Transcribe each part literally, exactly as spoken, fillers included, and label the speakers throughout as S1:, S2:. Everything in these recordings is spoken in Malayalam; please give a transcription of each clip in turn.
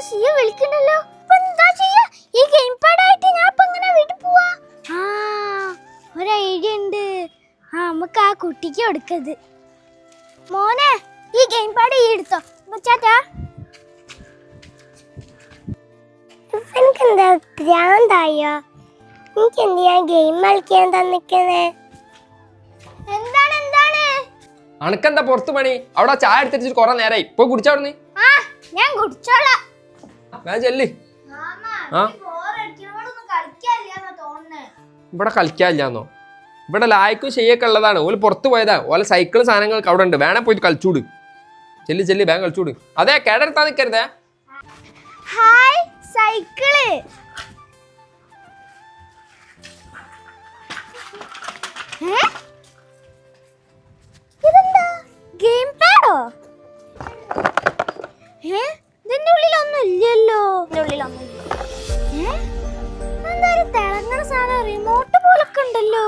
S1: സിയ വിളിക്കണ്ടല്ലോ. എന്താ ചെയ്യാ? ഈ ഗെയിം പാഡ് ആയിട്ട് ഞാൻ ഇപ്പൊ എങ്ങനെ വീട്ടിൽ പോവാ? ആ ഒരു ഐഡിയ ഉണ്ട്. ആ നമുക്ക് ആ കുട്ടിക്ക് കൊടുക്കത്. മോനെ ഈ ഗെയിം പാഡ് ഈ എടുത്തോ. ചാറ്റാ എനിക്കെന്താ ഭ്രാന്തായോ? എനിക്ക് എന്തിനാ ഗെയിം കളിക്കാൻ തന്നിക്കണേ? എന്താണ് എന്താണ്
S2: അനക്കെന്താ പുറത്ത് പണി? അവിടെ ചായ എടുത്തിട്ട് കൊറേ നേരായി. ഇപ്പൊ കുടിച്ചവിടുന്ന്?
S1: ആ ഞാൻ കുടിച്ചോളാം.
S2: ഞാൻ ചെല്ല്. ആ ഇവിടെ കളിക്കാനില്ലാന്നോ? ഇവിടെ ലായ്ക്കും ശരിയൊക്കെ ഉള്ളതാണ്. ഓല് പുറത്ത് പോയതാ. ഓലെ സൈക്കിള് സാധനങ്ങൾക്ക് അവിടെ ഉണ്ട്. വേണേ പോയിട്ട് കളിച്ചൂട്. ചെല്ലി ചെല്ലി വേഗം കളിച്ചൂട്. അതെ കേടെടുത്താ നിക്കരുതേ.
S1: Hi cycle. ഇതെന്താ ഗെയിം പാഡോ? ഏ ഇതിന്റെ ഉള്ളിലൊന്നും ഇല്ലല്ലോ. ഉള്ളിലൊന്നും ഇല്ല. എന്താ തിളങ്ങണ സാധനം? റിമോട്ട് പോലൊക്കെ ഉണ്ടല്ലോ.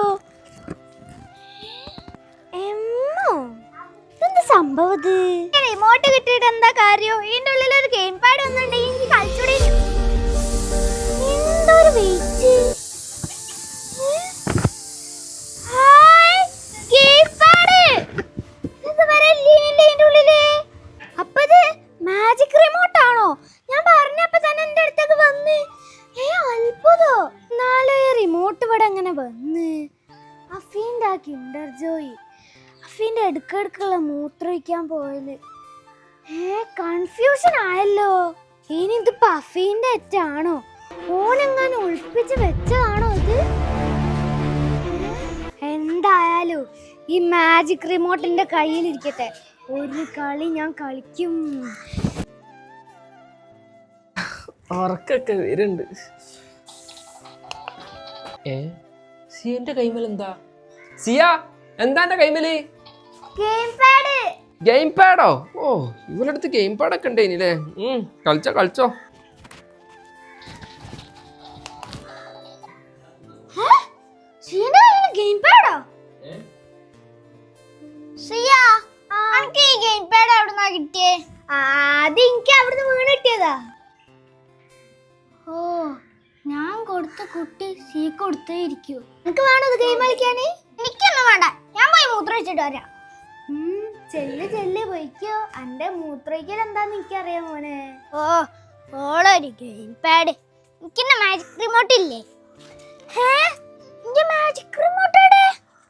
S1: എന്താ സംഭവം? ഇത് റിമോട്ട് കിട്ടിയിട്ട് എന്താ കാര്യം? ഇതിന്റെ ഉള്ളിൽ ഒരു ഗെയിം പാഡ് ഒന്നുണ്ടെങ്കിൽ എനിക്ക് കളിച്ചൂടെ? എന്താ ഒരു വെയിറ്റ്? Hi game pad. ഇത് വരെ ഇല്ലേ ഇതിന്റെ ഉള്ളില്? അപ്പൊ ഇത് മാജിക് റിമോട്ട് ആണോ? ഞാൻ പറഞ്ഞപ്പോ തന്നെ എന്റെ അടുത്തേക്ക് വന്ന്. ഏ അത്ഭുതോ. നാളെ റിമോട്ട് ഇവിടെ എങ്ങനെ വന്ന്? അഫീൻ്റെ ആ കിൻഡർ ജോയ്, അഫീൻ്റെ എടുക്കെടുക്കുള്ള മൂത്രമൊഴിക്കാൻ പോയത്. ഏ കൺഫ്യൂഷൻ ആയല്ലോ. ഇനി ഇതിപ്പോ അഫീൻ്റെ അറ്റാണോ? ഓനെങ്ങാനും ഒളിപ്പിച്ച് വെച്ചതാണോ ഇത്? എന്തായാലും ഈ മാജിക് റിമോട്ടിന്റെ കയ്യിലിരിക്കട്ടെ. ഒരു കളി ഞാൻ കളിക്കും.
S2: ഉറക്കൊക്കെ വരുന്നുണ്ട്. ഏ സിയന്റെ കൈമേൽ എന്താ? സിയ എന്താ എന്റെ കൈമേല്?
S1: Game pad.
S2: ഗെയിം പാഡോ? ഓ ഇവരടുത്ത് ഗെയിം പാഡൊക്കെ ഉണ്ടേനില്ലേ? ഉം കളിച്ചോ കളിച്ചോ.
S1: ഗെയിം പാഡോ? സിയ അനക്ക് ഈ ഗെയിം പാഡ് എവിടുന്നാ കിട്ടിയേ? അത് എനിക്ക് അവിടുന്ന് വീണ് കിട്ടിയതാ. ഓ ഞാൻ കൊടുത്ത കുട്ടി സീ കൊടുത്തേ ഇരിക്കൂ. എനിക്ക് വേണോ ഇത് ഗെയിം കളിക്കാന്? എനിക്കൊന്നും വേണ്ട, ഞാൻ പോയി മൂത്രമൊഴിച്ചിട്ട് വരാം. ചെല്ല് ചെല്ല് പോയിക്കോ. എന്റെ മൂത്രമൊഴിക്കൽ എന്താന്ന് എനിക്കറിയാം മോനെ. ഓ ഓളൊരു ഗെയിം പാഡ്. എനിക്കെന്നെ മാജിക് റിമോട്ട് ഇല്ലേ? ഹേ എന്റെ മാജിക് റിമോട്ട് എവിടെ?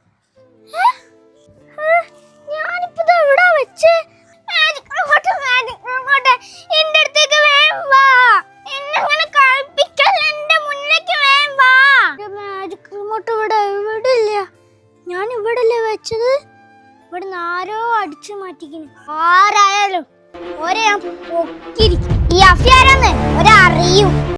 S1: ഞാനിപ്പോ ഇത് എവിടാ വെച്ച്? മാജിക് റിമോട്ട് മാജിക് റിമോട്ട് എന്റെ അടുത്തേക്ക് വേഗം വാ. എന്നെ അങ്ങനെ കളിപ്പിക്കൽ. എന്റെ മുന്നിലേക്ക് വേഗം വാ. മാജിക് റിമോട്ട് ഇവിടെ എവിടെ ഇല്ല. ഞാൻ ഇവിടെ അല്ലേ വെച്ചത്. ഇവിടെ നിന്ന് ആരോ അടിച്ചു മാറ്റിക്കുന്നു. ആരായാലും ഒരേ ഞാൻ പൊക്കിരിക്കും. ഈ അഫിയാരെന്ന് ഒരറിയും.